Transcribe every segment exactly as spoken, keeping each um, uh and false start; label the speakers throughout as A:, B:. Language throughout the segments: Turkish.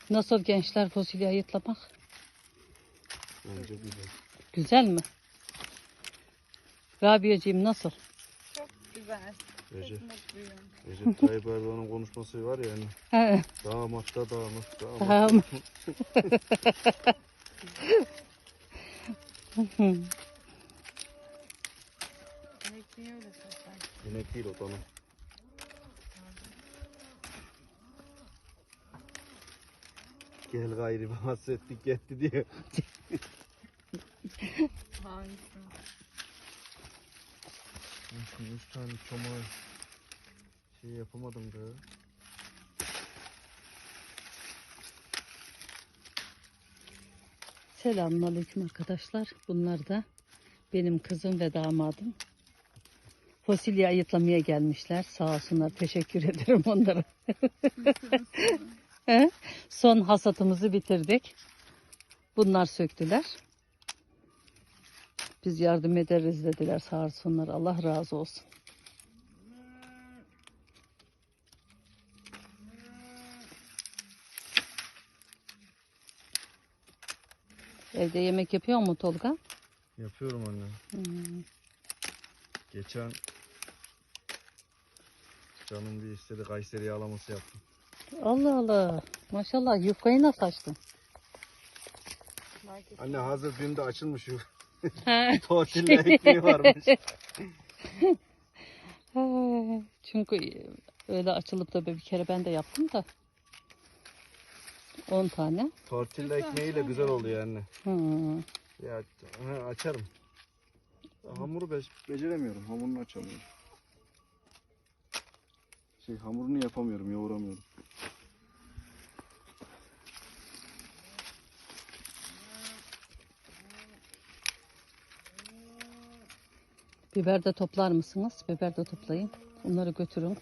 A: Nasıl gençler fasulye ayıtlamak?
B: Bence güzel.
A: Güzel mi? Rabia'cığım nasıl?
C: Çok güzel.
B: Recep,
C: Çok mutluyum.
B: Recep Tayyip Erdoğan'ın konuşması var ya hani.
A: He.
B: Damat da damat, damat.
A: Tamam.
C: Demek niye öyle sesler?
B: İnek değil o dana. Gel gayri bahsettik gitti diye.
C: Hangisi?
B: Üç tane çomağı şey yapamadım da.
A: Selamünaleyküm arkadaşlar. Bunlar da benim kızım ve damadım. Fasulye ayıtlamaya gelmişler. Sağ olsunlar. Teşekkür ederim onlara. He? Son hasatımızı bitirdik. Bunlar söktüler. Biz yardım ederiz dediler. Sağ olsunlar. Allah razı olsun. Evde yemek yapıyor mu Tolga?
B: Yapıyorum anne.
A: Hmm.
B: Geçen canım bir istedi Kayseri yağlaması yaptım.
A: Allah Allah. Maşallah yufkayı nasıl açtın?
C: Market.
B: Anne hazır dün de açılmış yuf.
A: He.
B: Tortilla ekmeği varmış.
A: He. Çünkü öyle açılıp da bir kere ben de yaptım da. on tane.
B: Tortilla ekmeğiyle güzel oluyor anne.
A: Hmm.
B: Ya he, açarım. Hamuru be beceremiyorum. Hamurunu açamıyorum. Şey hamurunu yapamıyorum, yoğuramıyorum.
A: Biber de toplar mısınız? Biber de toplayın. Onları götürün.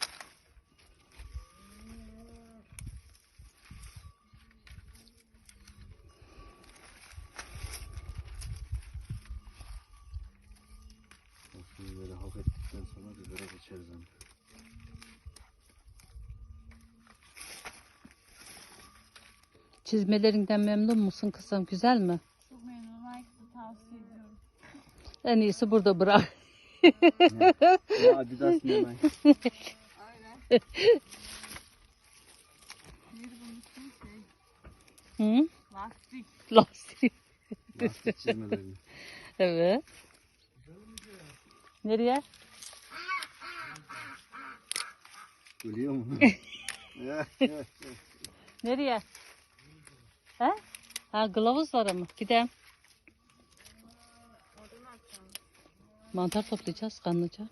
B: Şimdi böyle hak ettikten sonra bibere geçeriz anne.
A: Çizmelerinden memnun musun kızım? Güzel mi?
C: Çok memnunum. Herkese tavsiye ediyorum.
A: En iyisi burada bırak.
B: Ya Adidas ne lan?
C: Aynen. Neydi bunun ismi? Şey.
A: Hı?
C: Lastik.
A: Lastik.
B: Lastik çizmelerini.
A: Evet. Nereye?
B: Gülüyor mu?
A: Nereye? He? Ha kılavuzlara mı? Gidelim.
C: Orada ne yapacağım?
A: Mantar toplayacağız kanlıca.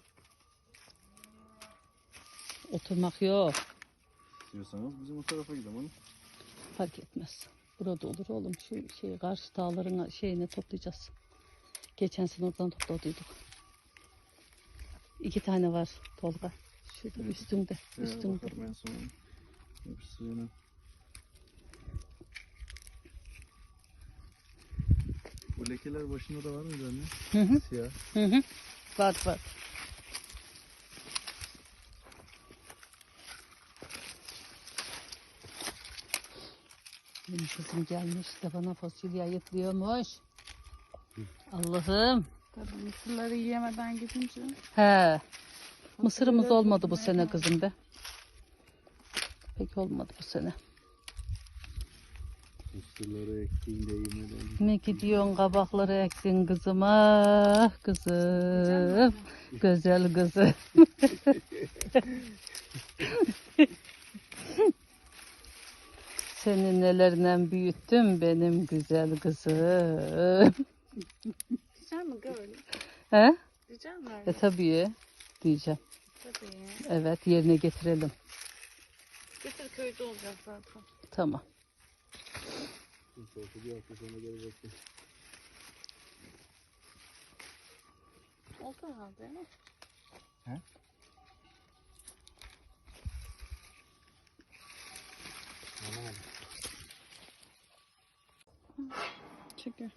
A: Oturmak yok.
B: İstiyorsanız bizim o tarafa gidelim hanım.
A: Fark etmez. Burada olur oğlum. Şu şey karşı dağların şeyini toplayacağız. Geçen sene oradan topladıydık. İki tane var Tolga. Şurada
B: Evet.
A: üstünde.
B: Evet,
A: Üstünde.
B: bakarım en son. Hepsi yine. Bu lekeler başında da var mıydı anne?
A: Hı hı.
B: Siyah.
A: Hı hı. Var var. Benim kızım gelmiş de bana fasulye ayıklıyormuş. Allah'ım.
C: Tabii mısırları yiyemeden gidince.
A: He. Mısırımız
C: Fasulyeleri
A: olmadı bu
C: toplamaya
A: sene
C: kaldım.
A: kızım be. Pek olmadı bu sene.
B: Mısırları ektiğinde yemeden.
A: Ne gidiyorsun kabakları ektin kızım ah kızım. Güzel kızım. Seni nelerle büyüttüm benim güzel kızım.
C: Diyeceğim mi böyle?
A: He?
C: Diyeceğim mi
A: E
C: öyle?
A: tabii diyeceğim.
C: Tabii.
A: Evet yerine getirelim.
C: Getir köyde olacak zaten.
A: Tamam.
B: Bir hafta sonra gelecektim.
C: Oldu herhalde değil mi?
B: He? Anlamadım.
C: Çekiyor.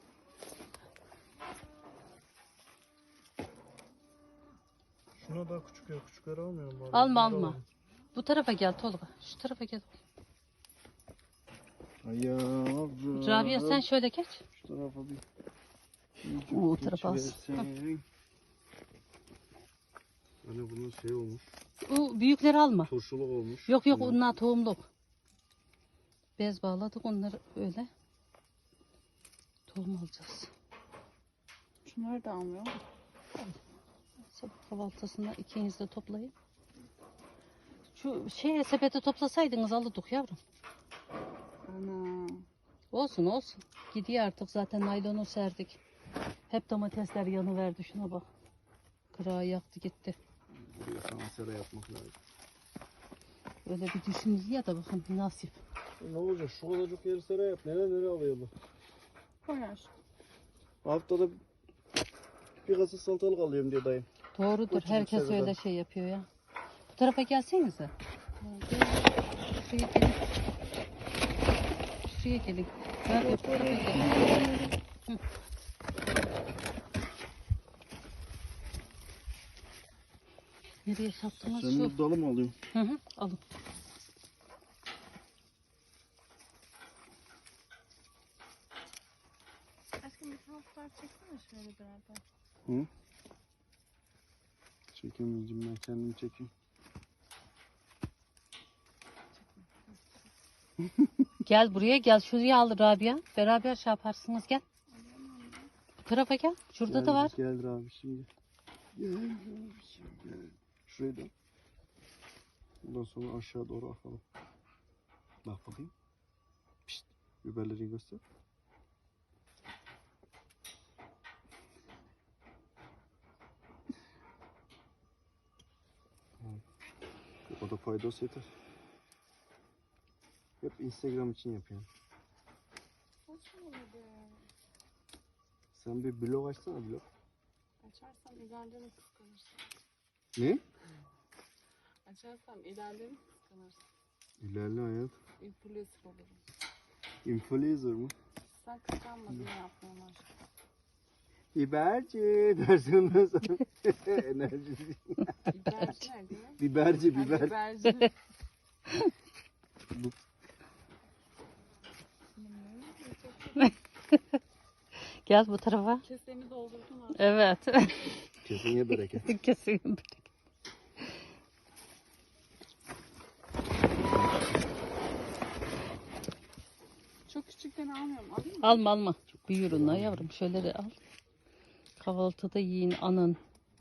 B: Şuna daha küçük ya küçükleri almıyorum. Bari.
A: Alma
B: Bunları
A: alma.
B: alalım.
A: Bu tarafa gel Tolga. Şu tarafa gel.
B: Ayağım.
A: Rabia sen şöyle geç.
B: Şu tarafa bir.
A: Oo, o tarafa az.
B: geçiversen. Hani bunun şey olmuş.
A: O büyükleri alma.
B: Turşuluk olmuş.
A: Yok yok
B: Bunlar.
A: onlar tohumluk. Bez bağladık onları öyle. Tohum alacağız.
C: Şunları da almıyor.
A: Sabah kahvaltısında ikiniz de toplayın. Şu şeye sepete toplasaydınız alırdık yavrum.
C: Ana.
A: Olsun olsun. Gidiyor artık zaten naylonu serdik. Hep domatesler yanıverdi şuna bak. Kırağı yaktı gitti.
B: Buraya sana sera yapmak lazım.
A: Öyle bir düşündü ya da bakın nasip.
B: Ne olacak? Şu kadarcık yeri sera yap. Nereye nereye alıyor bu?
C: Koyar.
B: Haftada bir kasa salatalık alıyorum diyor dayım.
A: Doğrudur.
B: Küçücük
A: Herkes
B: sebzeden.
A: öyle şey yapıyor ya. Bu tarafa gelsenize. Şuraya gelin. Şuraya gelin. Ben bu tarafa gelin. Hı. Nereye sattınız
B: Sen
A: şu?
B: bir dalı mı alıyorsun?
A: Hı hı, alın.
C: Aşkım bir tavuklar çeksene şöyle beraber.
B: Hı? Çekemeyeceğim ben kendimi çekeyim.
A: Gel buraya gel. Şuraya al Rabia. Beraber şey yaparsınız gel. Bu tarafa gel. Şurada
B: Gel,
A: da var.
B: Gel abi şimdi. Gel abi şimdi. Gel. Şuraya dön. Ondan sonra aşağı doğru akalım. Bak bakayım. Pişt. Biberleri göster. O da faydası yeter. Hep Instagram için yapıyorum.
C: Saçmalama be.
B: Sen bir blog açsana blog.
C: Açarsam ilerlerini kıskanırsın.
B: Ne?
C: Açarsam ilerlerini kıskanırsın.
B: İlerle hayat.
C: Influencer olurum.
B: Influencer mı?
C: Sen kıskanmadın yapmıyorum aşkım.
B: Biberci dersin ondan sonra. Enerji.
C: Biberci nerede ya?
B: Biberci
C: Ha,
B: biber.
C: Biberci.
B: Bu-
A: Gel bu tarafa.
C: Kesemi doldurdun artık.
A: Evet.
B: Keseye bereket.
A: Kesin.
C: Çok küçükten almıyorum. Alayım mı?
A: Alma alma. Büyür onlar yavrum. Şöyle de al. Kahvaltıda yiyin anın.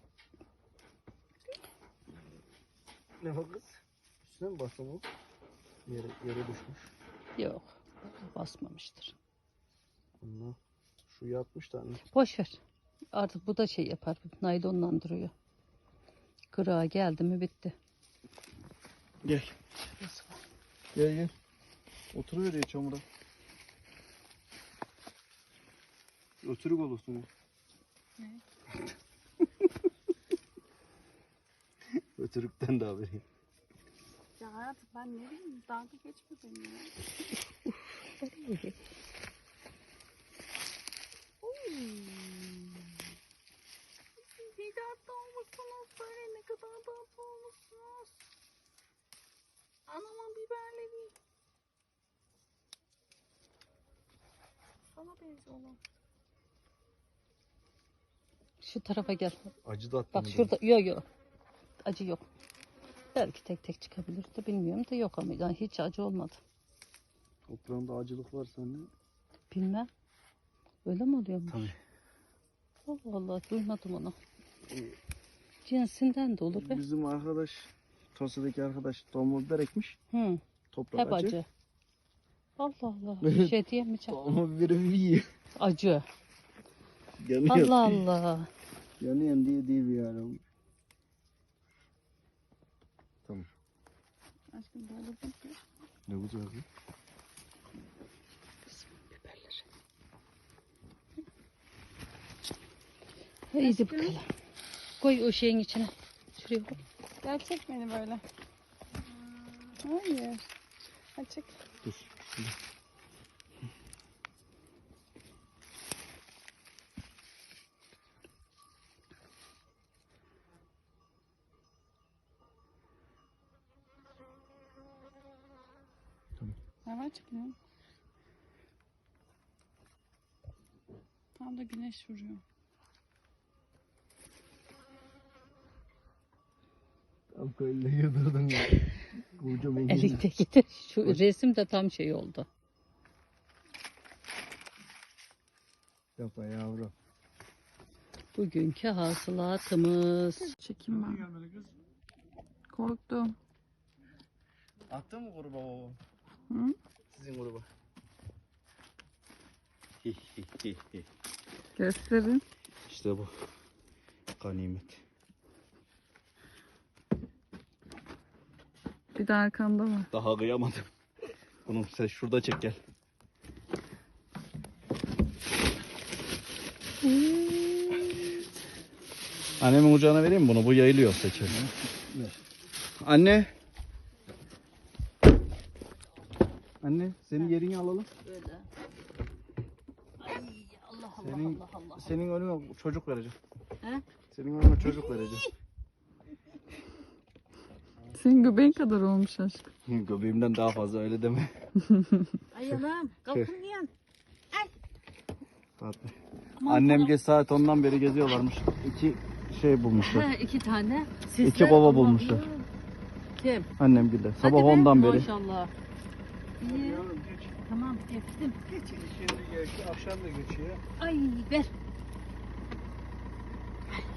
B: Ne o kız? Üstüne mi bastın o? Yere, yere düşmüş.
A: Yok. Basmamıştır.
B: Allah. Şu yatmış tane.
A: Boş ver. Artık bu da şey yapar. Naylonla duruyor. Kırağa geldi mi bitti.
B: Gel. Gel gel. Oturuver ya çamura. Ötürük olursun.
C: Ne?
B: Ötürükten de haberi.
C: Ya hayatım ben ne bileyim dalga geçme benimle. Bir tatlı olmuşsunuz böyle ne kadar tatlı olmuşsunuz. Anamın biberleri. Sana benziyorlar.
A: Şu tarafa gel.
B: Acı da attım.
A: Bak şurada. Yok yok. Acı yok. Belki tek tek çıkabilir de bilmiyorum da yok ama yani hiç acı olmadı.
B: Toprağında acılık var sende.
A: Bilmem. Öyle mi oluyormuş?
B: Tabii.
A: Allah Allah duymadım onu. Cinsinden de olur be.
B: Bizim arkadaş, Tosya'daki arkadaş tohum biber ekmiş.
A: Hı,
B: Toprak
A: hep
B: acı.
A: acı. Allah Allah. Bir şey diyemeyeceğim.
B: Tohum biberi yiyor.
A: Acı.
B: Yanıyor.
A: Allah Allah.
B: Yanıyor diye değil bir yani. Tamam.
C: Aşkım böyle bir
B: Ne bu cevabı?
A: Biberleri. İyice bakalım. Koy o şeyin içine. Şuraya koy.
C: Gerçek beni böyle. Hayır. Açık.
B: Dur.
C: Ne var çıkmıyor? Tam da güneş vuruyor.
B: Tam böyle yıldırdın ya. Kocaman
A: Elikte gider. Şu resim de tam şey oldu.
B: Yapma yavrum.
A: Bugünkü hasılatımız.
C: Çekim ben. Korktum.
B: Attın mı gruba baba?
C: Hı?
B: Sizin gruba.
C: Gösterin.
B: İşte bu. Ganimet.
C: Bir de arkanda var.
B: Daha kıyamadım. Bunu sen şurada çek gel. Annemin kucağına vereyim mi bunu? Bu yayılıyor seçer. Anne. Anne senin yerini alalım.
A: Böyle. Ay Allah Allah
B: Senin,
A: Allah Allah.
B: senin önüne çocuk vereceğim.
A: He?
B: Senin önüne çocuk vereceğim.
C: Senin göbeğin kadar olmuş aşkım.
B: Göbeğimden daha fazla öyle deme.
A: Ay Allah'ım kalkın yan.
B: Fatma. Annem geç saat ondan beri geziyorlarmış. İki şey bulmuşlar.
A: He, iki tane. Sesler,
B: İki kova
A: Allah
B: bulmuşlar.
A: Allah. Kim?
B: Annem gilde. Sabah
A: Hadi be,
B: ondan beri.
A: Maşallah. İyi. Tamam geçtim.
B: Şimdi geçti, akşam da geçiyor.
A: Ay ver.